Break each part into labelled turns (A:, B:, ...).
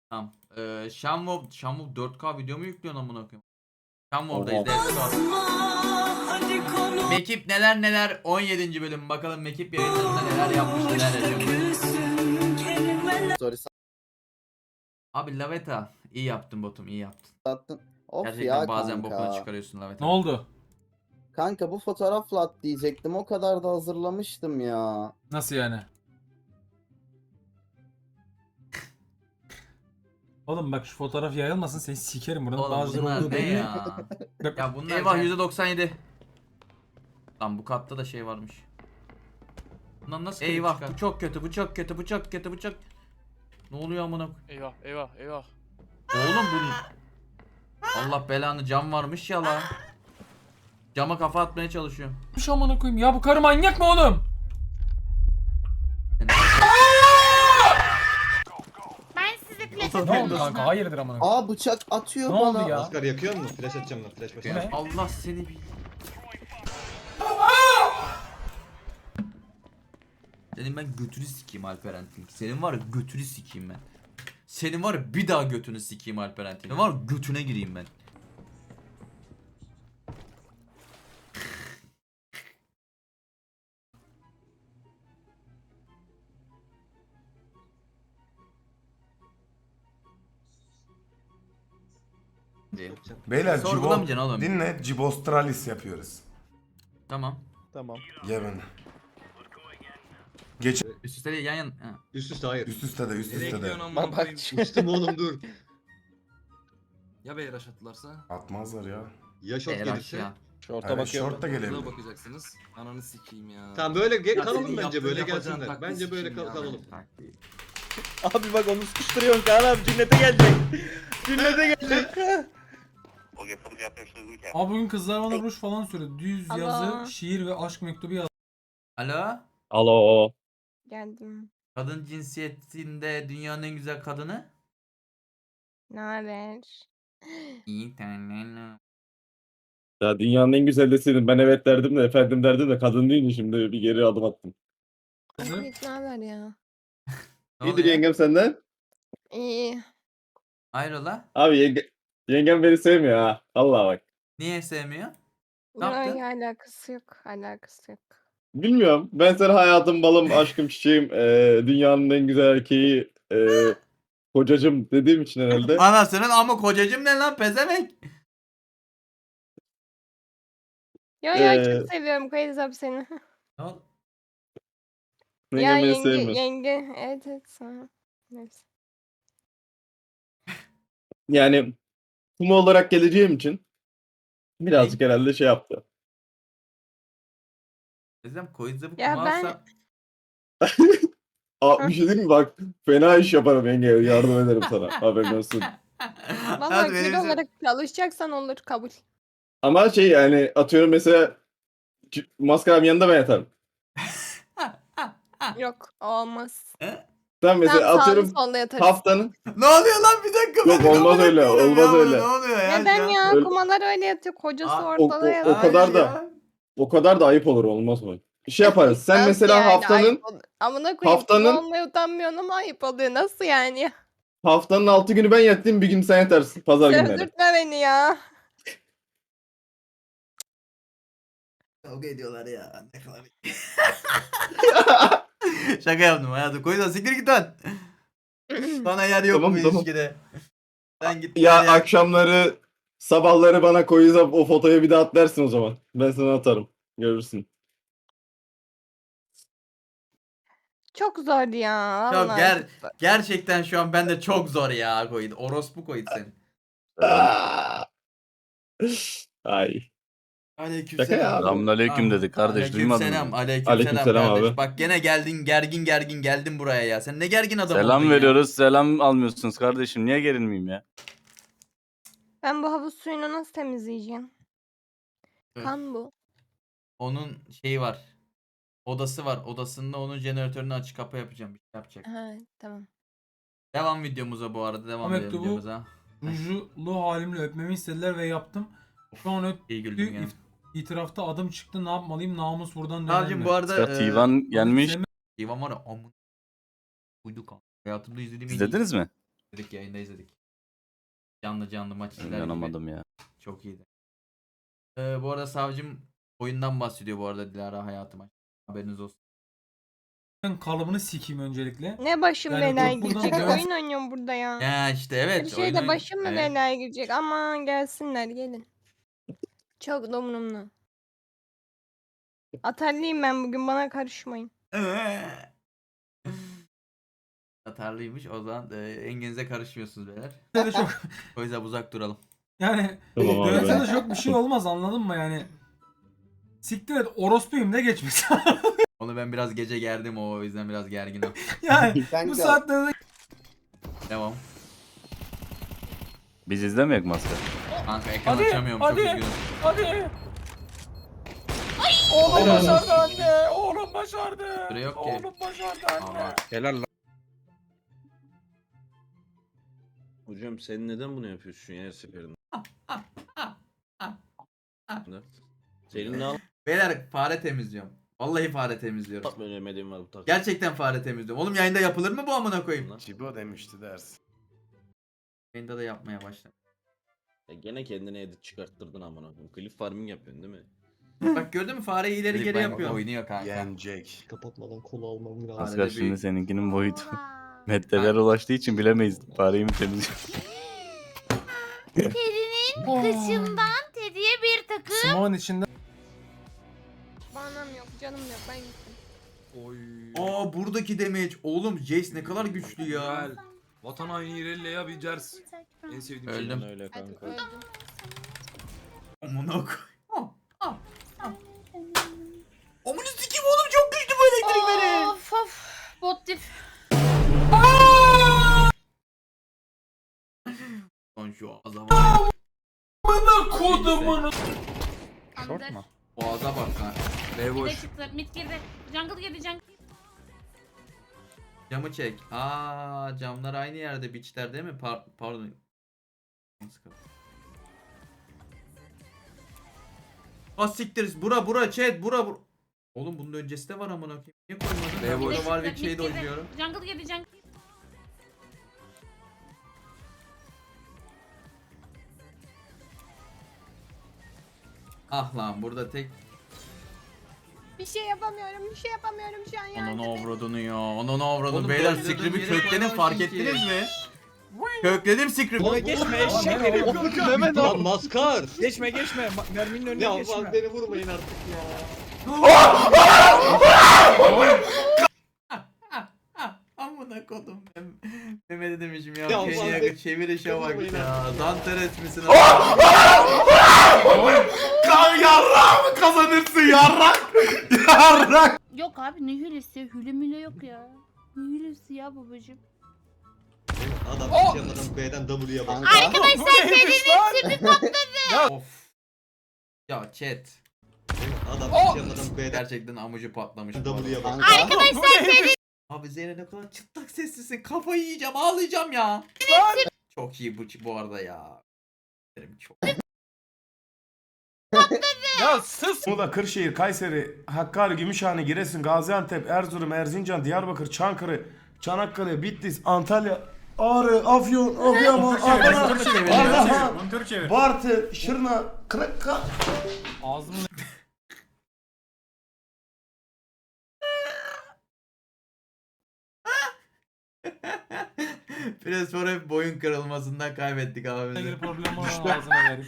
A: Tamam. Shenmue 4K video mu yüklüyorsun amına koyayım?
B: Oha.
A: Shenmue'dayız. Mekip neler 17. bölüm bakalım Mekip yayınlarında neler yapmış neler yaşamış.
B: Story
A: Abi Laveta iyi yaptın botum iyi yaptın.
B: sattın. Of
A: Gerçekten
B: ya
A: bazen
B: kanka.
A: bokunu çıkarıyorsun Laveta.
C: Ne oldu?
B: Kanka bu fotoğrafla at diyecektim. O kadar da hazırlamıştım ya.
C: Nasıl yani? Oğlum bak şu fotoğraf yayılmasın seni sikerim buranın
A: Oğlum
C: bazıları
A: bunlar
C: olduğu
A: ne
C: belli.
A: ya? Ya bunlar eyvah %97. Lan bu katta da şey varmış. Bundan nasıl eyvah bu çok kötü bu çok kötü bu çok kötü bu çok. Ne oluyor amına koyayım?
D: Eyvah.
A: Oğlum bu Allah belanı cam varmış ya la. Cama kafa atmaya çalışıyor.
C: Bir şey amına koyayım ya bu karı manyak mı oğlum?
E: Ben size flash
C: Ne
E: atıyorum.
C: oldu kanka hayırdır amına koyayım?
B: Aa bıçak atıyor
C: Ne
B: bana.
C: oldu ya?
F: Asgar yakıyor mu? Flash atacağım lan. Flash basacağım.
C: Ne?
A: Allah seni bil. Senin ben götünü sikeyim Alperen Tilki. Senin var ya götünü sikeyim ben. Senin var ya bir daha götünü sikeyim Alperen Tilki. Senin var ya götüne gireyim ben.
G: Beyler
A: Sorgulamayacaksın oğlum.
G: dinle Cibostralis yapıyoruz.
A: Tamam.
B: Tamam.
G: Ye beni. Geç
A: Üst üste değil, yan yan. Ha.
F: Üst üste hayır.
G: üst üste de üst üste de.
B: Bak bak.
F: Üstüm oğlum dur.
H: Ya beyler aşattılarsa?
G: Atmazlar ya.
F: Ya short
A: Eğer
F: gelirse.
A: aşağı.
B: Şorta
G: Evet,
B: bakıyorum.
G: short da
H: Buna
G: gelebilir.
H: bakacaksınız. Ananı sikeyim ya.
F: Tamam böyle
H: Ya senin
F: kalalım bence
H: yaptığın
F: böyle
H: yapacağın
F: gelsinler.
H: taktiği
F: Bence böyle
H: sikeyim ya.
F: kalalım.
B: Abi bak onu sıkıştırıyorsun Kaan abi cennete gelecek. Cennete gelecek.
C: Abi bugün kızlar bana ruj falan söyledi. Düz
E: Allah.
C: yazı, şiir ve aşk mektubu yaz.
A: Alo?
B: Alo.
E: Geldim.
A: Kadın cinsiyetinde dünyanın en güzel kadını?
E: Ne haber?
A: İyi tane.
I: Ya dünyanın en güzel deseydin ben evet derdim de efendim derdim de kadın değildi şimdi bir geri adım attım.
E: Evet, ne haber ya?
I: İyidir yengem senden.
E: İyi.
A: Hayrola?
I: Abi yengem beni sevmiyor ha. Allah bak.
A: Niye sevmiyor? Ne yaptın?
E: Yok, alakası yok. Alakası yok.
I: Bilmiyorum. Ben sana hayatım, balım, aşkım, çiçeğim, dünyanın en güzel erkeği, kocacım dediğim için herhalde.
A: Anasının ama kocacım ne lan pezevenk?
E: Yo
I: Ee,
E: çok seviyorum Kayız seni.
A: Ne oldu?
E: Ya
I: Yengem beni
E: yenge
I: sevmiyor.
E: yenge. Evet sana. Neyse.
I: Yani kuma olarak geleceğim için birazcık herhalde şey yaptı.
A: Teyzem koyuzda bu
E: Ya
A: kuma
E: ben-
A: alsa...
I: Aa, bir şey diyeyim mi? Bak fena iş yaparım yenge. Yardım ederim sana. Haberin olsun.
E: Vallahi
A: Hadi
E: kız
A: benim
E: olarak çalışacaksan olur kabul.
I: Ama şey yani atıyorum mesela maskaram yanında ben yatarım.
E: Yok olmaz.
I: Tamam mesela
E: Tam sağlı
I: atıyorum
E: solda yatarız.
I: haftanın
A: Ne oluyor lan bir dakika?
I: Yok,
A: ben
I: olmaz
A: amına
I: öyle,
A: koyayım
I: olmaz
A: ya,
I: öyle.
A: Ne oluyor ya?
E: Neden
A: şu an?
E: ya?
I: Öyle-
E: Kumalar öyle yatıyor. Kocası
A: Aa,
E: ortada
I: o
E: yatıyor.
I: kadar da-
A: ya.
I: o kadar da ayıp olur olmaz mı? Şey yaparız. Sen
E: Nasıl
I: mesela
E: yani?
I: haftanın
E: Ayıp oluyor. Amına koyayım.
I: haftanın-
E: Olmaya utanmıyorsun ama ayıp oluyor. Nasıl yani?
I: 6 günü ben yatayım, bir gün sen yatarsın pazar günleri.
E: Sövdürtme beni ya.
A: Kavga ediyorlar ya. Ne kadar... Şaka yaptım hayatım. Koyuzda siktir git lan. Bana yer yok
I: Tamam,
A: bu
I: tamam.
A: ilişkide. Sen git.
I: Ya
A: nereye-
I: akşamları sabahları bana koyuza o fotoyu bir daha at dersin o zaman. Ben sana atarım. Görürsün.
E: Çok zor ya.
A: Çok
E: Vallahi.
A: gerçekten şu an bende çok zor ya Koyuz. Orospu Koyuz senin.
I: Aa! Ay. Şaka ya.
A: Aleykümselam.
H: Selamünaleyküm dedik kardeş, duymadın mı?
A: Aleykümselam
I: Aleykümselam
A: kardeş.
I: abi.
A: Bak gene geldin gergin geldin buraya ya. Sen ne gergin adam oldun
H: Selam
A: ya.
H: veriyoruz, selam almıyorsunuz kardeşim. Niye gerilmeyeyim ya?
E: Ben bu havuz suyunu nasıl temizleyeceğim?
A: Evet.
E: Kan bu.
A: Onun şeyi var. Odası var. Odasında onun jeneratörünü açık kapa yapacağım. Bir şey yapacak.
E: Ha, tamam.
A: Devam videomuza bu arada. Devam
C: Ahmet,
A: edelim
C: bu-
A: videomuza.
C: Rujlu halimle öpmemi istediler ve yaptım. Şu an
A: İyi güldüm yani.
C: itirafta adım çıktı ne yapmalıyım namus buradan döner
A: Abicim
C: mi?
A: bu arada
H: Ya Tivan gelmiş.
C: Sevme-
A: Ivan var ya amın. Uydu kan. Hayatımda izlediğim en iyi-
H: İzlediniz mi?
A: Dedik yayında izledik. Canlı maç izler gibi.
H: İnanamadım ya.
A: Çok iyiydi. Bu arada savcım oyundan bahsediyor bu arada Dilara hayatıma. Haberiniz olsun.
C: Ben kalıbını sikeyim öncelikle.
E: Ne başım
C: Yani
E: belaya
C: yok buradan
E: girecek?
C: dönemez.
E: Oyun oynuyorum burada ya.
A: Ya işte evet.
E: Bir şey de başım mı
A: Evet.
E: belaya girecek? Aman gelsinler gelin. Çok domrumlu. Atarlıyım ben bugün, bana karışmayın.
A: Atarlıymış o zaman enginize karışmıyorsunuz beyler.
C: De çok
A: O yüzden uzak duralım.
C: yani
I: Tamam abi.
C: dövse de çok bir şey olmaz, anladın mı yani? Siktir et, orospuyum de geçmiş.
A: Onu ben biraz gece gerdim o yüzden biraz gerginim.
C: Yani bu saatlerde
A: Devam.
H: Biz izlemeyek maske.
A: Kanka ekran
C: Hadi,
A: açamıyorum
C: hadi.
A: çok üzgünüm.
C: hadi. Oğlum başardı anne. Oğlum başardı.
A: Süre yok ki.
C: Oğlum başardı anne.
A: Aa,
B: Helal lan. Hocam sen neden bunu yapıyorsun ya her seferinde? Senin ne
A: Beyler fare temizliyorum. Vallahi fare temizliyorum.
B: yapmadığın var bu takım?
A: Gerçekten fare temizliyorum. Oğlum yayında yapılır mı bu amına koyayım?
G: Cibo demişti dersin.
A: Yayında da yapmaya başladım.
B: Ya gene kendine edit çıkarttırdın amına koyayım. Clip farming yapıyorsun değil mi?
A: Bak gördün mü fareyi ileri geri yapıyor. Oynuyor kanka.
G: Yenecek.
F: Kapatmadan kola almam lazım.
A: Hadi.
H: Maskar şimdi seninkinin boyutu. Metreler ulaştığı için bilemeyiz. Fareyi mi temizliyor?
D: Terinin kışından Teddy'ye bir takım.
C: Smoke'un içinde
E: Banam yok, canım yok, ben gittim.
A: Aa buradaki damage. Oğlum Jace ne kadar güçlü ya.
H: Vatan haini İrelia bir ders. En sevdiğim şey.
A: Öldüm.
B: Öyle kanka.
E: Öldüm.
A: Amına koy. Amına sikeyim oğlum çok güçlü bu elektrik veri.
D: Of of. Bot dip.
A: Lan şu ağza bak.
C: bana kodumun.
D: Short mu?
A: Boğaza bak lan. B
D: Bir de
A: boş.
D: çıktı. Mid girdi. Jungle girdi jungle.
A: Camı çek. Aa camlar aynı yerde biçler değil mi? Pardon. Ah siktiriz. Bura chat bura. Oğlum bunun öncesi de var amına koyayım. Niye koymadın? Ben
D: Bir de
A: burada
D: çıktı,
A: Warwick
D: mid
A: şeyde
D: girdi.
A: oynuyorum.
D: Jungle girdi jungle.
A: Ah lan burada tek
E: Bir şey yapamıyorum şu an yani.
A: Onun avradını ya. Onun avradını.
H: Oğlum,
A: Beyler
H: böyle
A: script'i
H: yere
A: kökledim
H: koymamışsın
A: fark
H: ki.
A: ettiniz mi? Kökledim script'i.
B: Geçme eşek herif.
F: Lan maskar.
B: Geçme. Merminin önüne
F: Ya
B: geçme.
F: bak beni vurmayın artık ya.
A: Amına kodum. Mehmet'e demişim ya.
F: Ya
A: Kenya
F: ulan
A: çevirişe bak
F: vurmayın
A: ya.
F: artık ya.
A: Danteres misin? Yarrak mı kazanırsın yarrak? Yarrak.
D: Yok abi ne hülesi? Hüle müle yok ya. Ne hülesi ya babacım?
F: Adam sıçramadan B'den W'ye bak.
D: Arkadaşlar Teddy'nin tipi patladı.
A: Of. Ya chat.
F: Adam sıçramadan B'den
A: Gerçekten amucu patlamış. bu arada.
F: W'ye bak.
D: Arkadaşlar Teddy.
A: Abi Zeynep ne kadar çıtlak seslisin. Kafayı yiyeceğim ağlayacağım ya. Çok iyi bu arada ya. Çok.
C: Ya sus.
G: Muğla, Kırşehir, Kayseri, Hakkari, Gümüşhane, Giresun, Gaziantep, Erzurum, Erzincan, Diyarbakır, Çankırı, Çanakkale, Bitlis, Antalya, Ağrı, Afyon, Adıyaman, Adana, Ardahan,
C: Montör çevir.
G: Bartın, Şırna, Kırıkkale.
C: Ağzımın
A: Biraz sonra hep boyun kırılmasından kaybettik abimizi.
C: ilgili problem var, ağzına vereyim.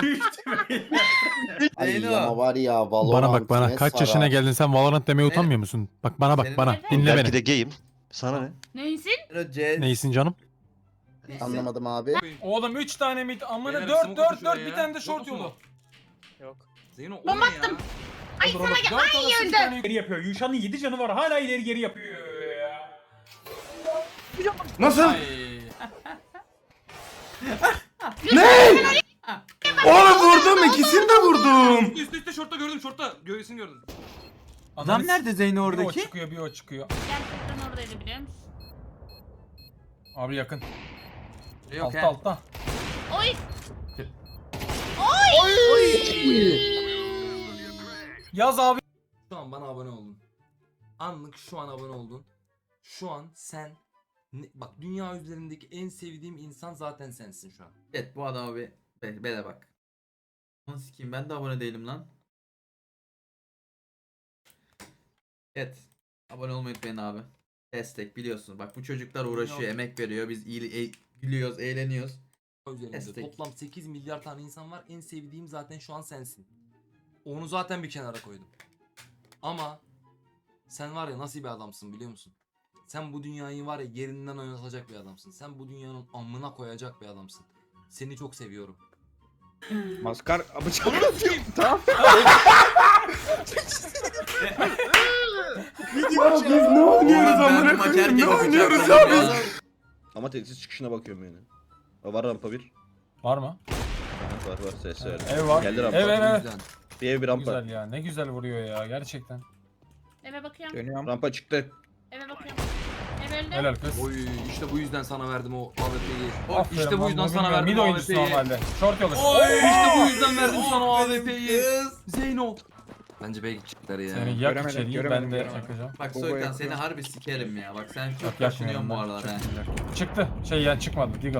A: Zeyno.
I: var ya
J: Bana bak bana. Kaç yaşına geldin sen Valorant demeye utanmıyor musun? Bak bana bak
A: Senin-
J: bana.
D: Evet.
J: Dinle beni.
F: de gayim. Sana ne?
D: Neysin?
A: Zeyno, Cez.
J: Neysin canım?
I: Anlamadım abi.
C: Oğlum 3 tane mid amına
H: Beyler,
C: 4
H: smoke
C: 4
H: atın
C: 4
H: şuraya
C: bir
H: ya.
C: tane de short
H: Smoke
C: yolu.
H: Zeyno o
D: Bomba
H: ne ya?
D: attım. Ay
C: Olur,
D: sana
C: olur.
D: gel.
C: Dört
D: Ay
C: orası bir
D: öldü.
C: tane ileri yapıyor. Yuşan'ın 7 canı var. Hala ileri geri yapıyor ya.
G: Nasıl? Ne? Oğlum vurdum, ikisini de vurdum.
H: Üstte şortta gördüm şortta. Göğsünü gördüm.
A: Adam nerede Zeyno
C: Bir o
A: oradaki?
C: çıkıyor, bir o çıkıyor.
D: Gerçekten oradaydı biliyor musun?
C: Abi yakın.
A: Yok
C: Altta
A: he.
C: altta.
D: Oy.
C: Yaz abi.
H: Şu an bana abone oldun. Anlık şu an abone oldun. Şu an sen
K: Bak dünya üzerindeki en sevdiğim insan zaten sensin şu an.
A: Evet bu adama bir bele bak. Nasıl sikeyim, ben de abone değilim lan. Evet. Abone olmayı unutmayın abi. Destek biliyorsunuz. Bak bu çocuklar uğraşıyor, emek veriyor. Biz gülüyoruz, eğleniyoruz.
K: Üzerinde
A: Destek.
K: toplam 8 milyar tane insan var. En sevdiğim zaten şu an sensin. Onu zaten bir kenara koydum. Ama sen var ya nasıl bir adamsın biliyor musun? Sen bu dünyayı var ya yerinden oynatacak bir adamsın. Sen bu dünyanın amına koyacak bir adamsın. Seni çok seviyorum.
B: Maskar bıçak atayım. Tamam.
G: Ya biz ne oynuyoruz amına koyayım? Ne oynuyoruz ya biz?
B: Ama tesis çıkışına bakıyorum yani. Var rampa bir.
C: Var mı?
B: Var ses ver.
C: Ev var.
B: Geldi rampa.
C: Ev ev ev.
K: Güzel.
B: Bir ev bir rampa.
C: Güzel ya. Ne güzel vuruyor ya gerçekten.
D: Eve bakıyorum.
B: Dönüyorum. Rampa çıktı.
D: Eve bakıyorum. Ev öldü.
C: Helal kız.
K: Oy işte bu yüzden sana verdim o AWP'yi.
C: Aferin
K: İşte bu
C: lan,
K: yüzden sana
C: bilmiyorum.
K: verdim
C: Mid
K: o
C: oyuncusu
K: AWP'yi.
C: normalde. Short yolu.
K: İşte bu yüzden verdim sana o AWP'yi.
A: Kız.
K: Zeyno. Bence B'ye gidecekler ya.
C: Seni yak içeriği ben de yakacağım.
A: Bak Soykan seni harbi sikerim ya. Bak sen çok
C: Yok
A: kaşınıyorsun
C: yakmıyorum
A: bu
C: ben.
A: aralar
C: Çok
A: ha.
C: güzel. Çıktı. Şey ya çıkmadı. Deagle.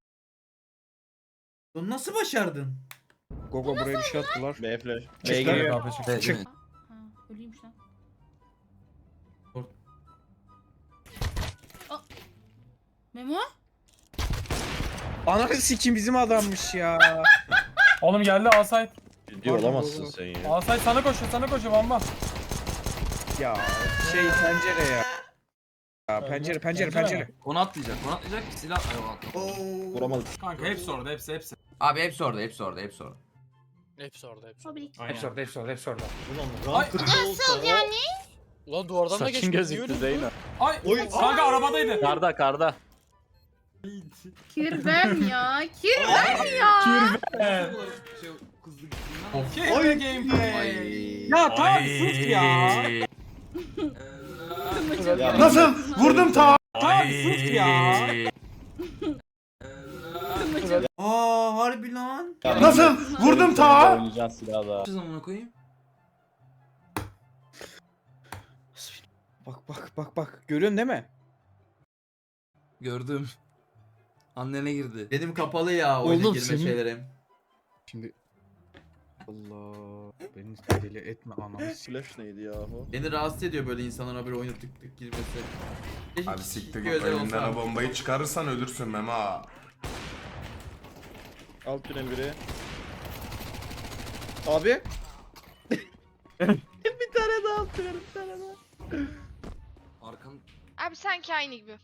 A: Bunu nasıl başardın?
B: Gogo buraya bir şey attılar. B flash.
C: Çıktı.
B: B geliyor.
C: Kapı çıktı.
K: Evet, değil mi?
D: Ha, ölüymüş lan.
A: Kork.
D: Memo?
B: Ananı sikim bizim adammış ya.
C: Oğlum geldi Asayt.
B: Ciddi olamazsın sen ya.
C: Asayt sana koşuyor bamba.
B: Ya şey pencere ya. Ya pencere.
K: Onu atlayacak. Silah. Ay, o atla.
B: Vuramadım.
C: Kanka hepsi orada hepsi.
A: Abi hepsi orada.
D: O bir iki.
C: Hepsi orada.
D: Nasıl yani?
J: Ulan duvardan da
H: Saçın gözüktü Zeyno.
C: Ay kanka arabadaydı.
H: Karda.
D: Kirvem ya. Kirvem ya.
K: Şey, kızdı gittiğinden.
C: Kirve gameplay.
B: Ya tamam sus ya.
G: Nasıl? Vurdum ta.
B: Tamam sus ya.
A: Aa harbi lan.
G: Nasıl? Vurdum ta.
H: Oynayacağız silahla.
K: Ne zamana koyayım?
B: Bak. Görüyorsun değil mi?
K: Gördüm. Annene girdi.
A: Benim kapalı ya oyuna
J: Oğlum
A: girme
J: senin-
A: şeylerim.
B: Şimdi Allah beni deli etme anamı. Flash neydi ya o?
A: Beni rahatsız ediyor böyle insanlara böyle oyuna tık tık girmesi. Keşke
G: Hadi
A: küçük
G: siktir
A: bir
G: git
A: özel
G: elinden o
A: olsa.
G: bombayı çıkarırsan ölürsün Mema.
B: Alt tünel biri. Abi. bir tane daha alt tünel bir tane daha.
K: Arkan
E: Abi sanki aynı gibi.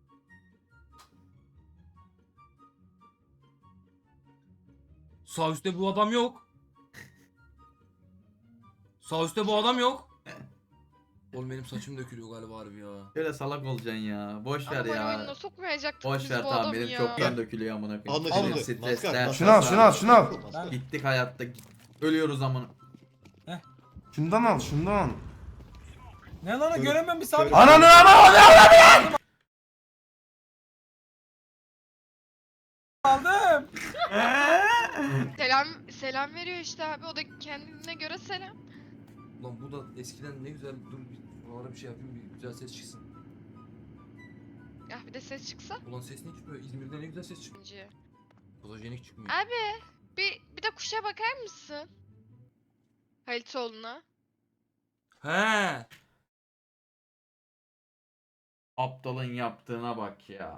K: sağ üstte bu adam yok. Sağ üstte bu adam yok. Oğlum benim saçım dökülüyor galiba harbi ya.
A: Böyle salak olacaksın ya. Boş ver
E: Ama oyununa
A: ya.
E: sokmayacaktık
A: Boş
E: biz
A: ver
E: bu
A: tamam
E: adamı
A: benim
E: ya.
A: çoktan dökülüyor amına koyayım. Benim
F: Anlaşıldı.
A: stresler.
G: Şunu al, şunu al.
A: Gittik hayatta. Ölüyoruz amına.
G: Şundan al.
C: Ne lan o göremem bir sabit.
G: Ananı.
C: Aldım.
E: Selam veriyor işte abi. O da kendine göre selam.
K: Lan bu da eskiden ne güzel dur bir buralara bir şey yapayım bir güzel ses çıksın.
E: Ya bir de ses çıksa.
K: Ulan ses ne çıkmıyor? İzmir'de ne güzel ses çıkıyor.
E: Bence.
K: Fotojenik çıkmıyor.
E: Abi bir de kuşa bakar mısın? Halitoğlu'na.
K: He.
A: Aptalın yaptığına bak ya.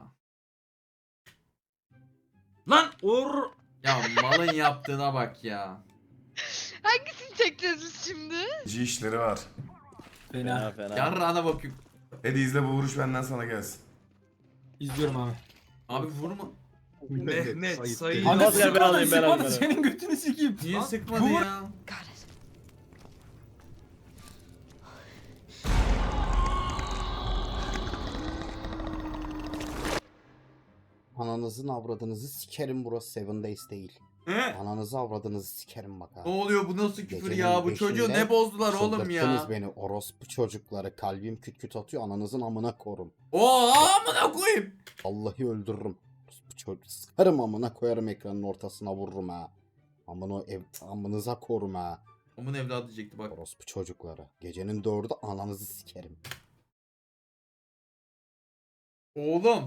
K: Lan
A: Ya malın yaptığına bak ya.
E: Hangisini çekeceğiz biz şimdi?
G: işleri var.
C: Fena.
A: Yarrağına bakayım.
G: Hadi izle bu vuruş benden sana gelsin.
C: İzliyorum abi.
A: Abi vurma.
K: Mehmet Sayın.
C: Anne
B: ben
C: sıkmadı
B: alayım, ben alayım.
C: senin götünü sikeyim.
A: Niye
C: Lan,
A: sıkmadı
C: bu-
A: ya?
L: Ananızın avradınızı sikerim, burası Seven Days değil.
A: He?
L: Ananızı avradınızı sikerim bak ha.
A: Ne oluyor bu nasıl küfür
L: Gecenin
A: ya? Bu çocuğu
L: beşinde
A: ne bozdular oğlum
L: Çıldırttınız
A: ya?
L: beni orospu çocukları, kalbim küt küt atıyor, ananızın amına korum.
A: Oo amına koyayım.
L: Vallahi öldürürüm. Orospu çocuk sıkarım amına koyarım, ekranın ortasına vururum ha. Amınıza korum ha.
A: Onun evladı diyecekti bak.
L: Orospu çocukları. Gecenin 4'ü ananızı sikerim.
A: Oğlum.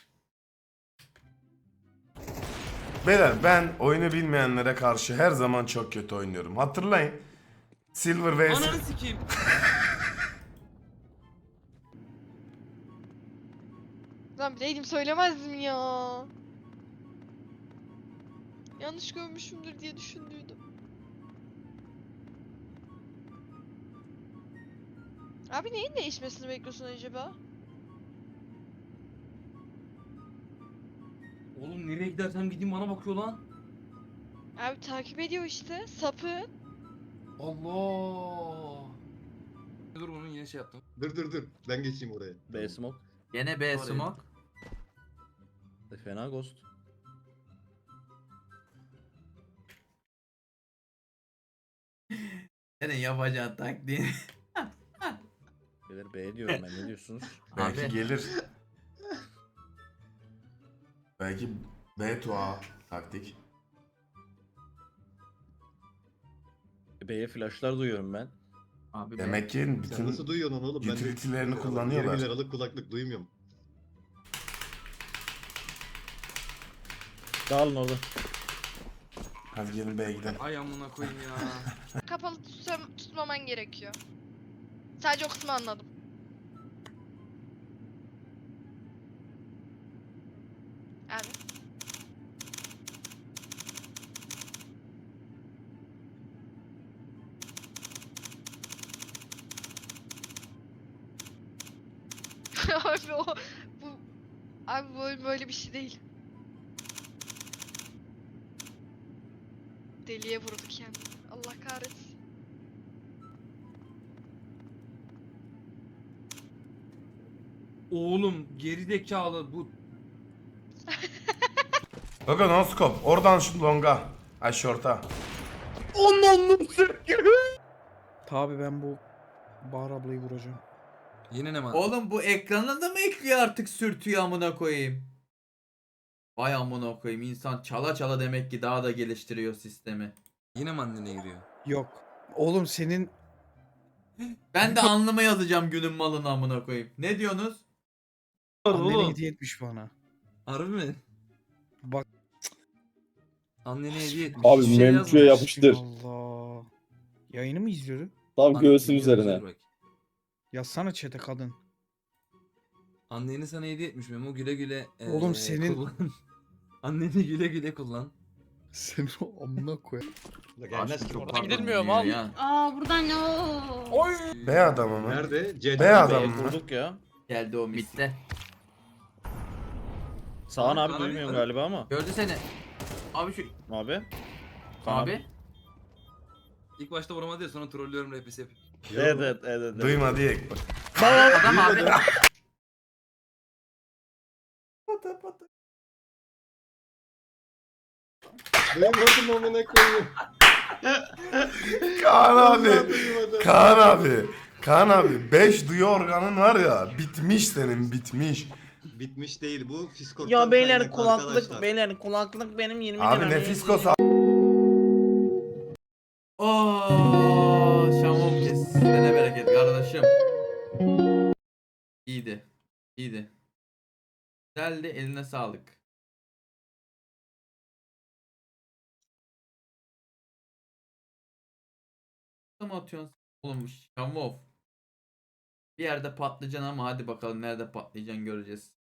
G: Beyler ben oyunu bilmeyenlere karşı her zaman çok kötü oynuyorum. Hatırlayın. Silver vs.
K: Ananı sikeyim.
E: Lan bileydim söylemezdim ya. Yanlış görmüşümdür diye düşündüydüm. Abi neyin değişmesini bekliyorsun acaba?
K: Oğlum nereye gidersem gideyim bana bakıyor lan.
E: Abi takip ediyor işte. Sapı.
K: Allah. Dur bunun yine şey yaptım.
F: Dur. Ben geçeyim oraya.
B: B smoke.
A: Gene B
K: Oraya.
A: smoke.
B: Fena ghost.
A: Senin yapacağın taktiğin.
B: Beyler B diyorum ben, ne diyorsunuz?
G: Belki
A: Abi.
G: gelir. Belki B to A taktik.
B: B'ye flashlar duyuyorum ben.
A: Abi
G: Demek ki
F: Sen
G: bütün
F: nasıl duyuyorsun onu oğlum? Ben de
G: utility'lerini
F: 20
G: kullanıyorlar.
F: liralık kulaklık duymuyorum.
B: Dağılın orada.
G: Hadi gelin B'ye gidelim.
K: Ay amına koyayım ya.
E: Kapalı tutmaman gerekiyor. Sadece o kısmı anladım. Abi. Abi abi böyle bir şey değil. Deliye vurdu kendini. Allah kahretsin.
K: Oğlum gerizekalı bu.
G: Bakın no scope. Oradan şu longa. Ay short'a.
B: Tabi ben bu Bahar ablayı vuracağım.
K: Yine ne var?
A: Oğlum bu ekrana da mı ekliyor artık sürtüyor amına koyayım. Vay amına koyayım, insan çala çala demek ki daha da geliştiriyor sistemi.
K: Yine mi annene giriyor?
L: Yok. Oğlum senin
A: Ben de alnıma yazacağım günün malını amına koyayım. Ne diyorsunuz?
L: annene hediye etmiş bana.
K: Harbi mi?
L: Bak.
K: Annene hediye etmiş.
I: Abi
K: Hiçbir şey
I: menüye
K: yazmamış.
I: yapıştır.
L: Allah. Yayını mı izliyordu?
I: Tam
K: Anne-
I: göğsün
K: Yazıyor
I: üzerine.
K: bak.
L: Yazsana chat'e kadın.
K: Anneni sana hediye etmiş Memo, güle güle.
L: Oğlum senin-
K: kullan. Anneni güle güle kullan.
L: Sen o amına koy.
F: Gelmez ki.
A: Oradan gidilmiyor mu abi?
D: Aa buradan o.
G: B adamı mı?
F: Nerede? C
G: B adamı
B: B'ye
G: mı?
B: kurduk ya.
A: Geldi o mitte.
B: Sağan abi
K: Abi,
B: duymuyorum
K: abi.
B: galiba ama.
A: Gördü seni. Abi şu
B: Abi.
A: abi.
K: İlk başta vuramadı ya, sonra trollüyorum rapisi yapıp.
B: Evet.
G: Duyma diye.
A: Adam abi.
F: Duymadım amına koyayım.
G: Kaan abi.
F: Duymadım.
G: Kaan abi. Kaan abi 5 duyu organın var ya, bitmiş senin, bitmiş.
F: Bitmiş değil bu. Fiskot'tan
B: Ya beyler
F: kaynaklı
B: kulaklık
F: arkadaşlar.
B: beyler kulaklık benim 20
G: Abi
B: lira.
G: Nefiskos
A: Ooo Şamom kesine bereket kardeşim. İyiydi. İyiydi. Güzeldi, eline sağlık. Mı atıyorsun? Oğlum Şamov. Bir yerde patlayacaksın ama hadi bakalım nerede patlayacaksın göreceğiz.